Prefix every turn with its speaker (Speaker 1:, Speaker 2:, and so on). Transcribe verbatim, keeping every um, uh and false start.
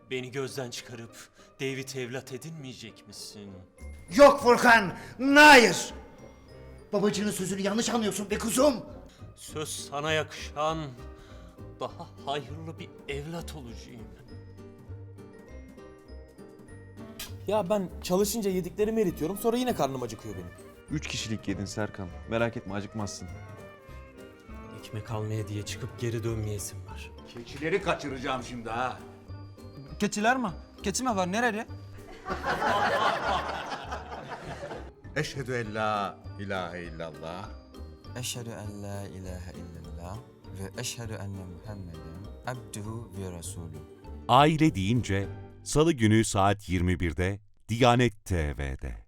Speaker 1: Beni gözden çıkarıp David evlat edinmeyecek misin?
Speaker 2: Yok Furkan, hayır. Babacığının sözünü yanlış anlıyorsun be kuzum.
Speaker 1: Söz sana yakışan daha hayırlı bir evlat olacağım.
Speaker 3: Ya ben çalışınca yediklerimi eritiyorum, sonra yine karnım acıkıyor benim.
Speaker 4: Üç kişilik yedin Serkan. Merak etme, acıkmazsın.
Speaker 1: Ekmek almaya diye çıkıp geri dönmeyesim var.
Speaker 5: Keçileri kaçıracağım şimdi ha.
Speaker 6: Keçiler mi? Keçi mi var? Nerede?
Speaker 5: Eşhedü en la ilahe illallah.
Speaker 6: Eşhedü en la ilahe illallah ve eşhedü enne Muhammeden abduhu ve resulü.
Speaker 7: Aile deyince Salı günü saat yirmi birde Diyanet T V'de.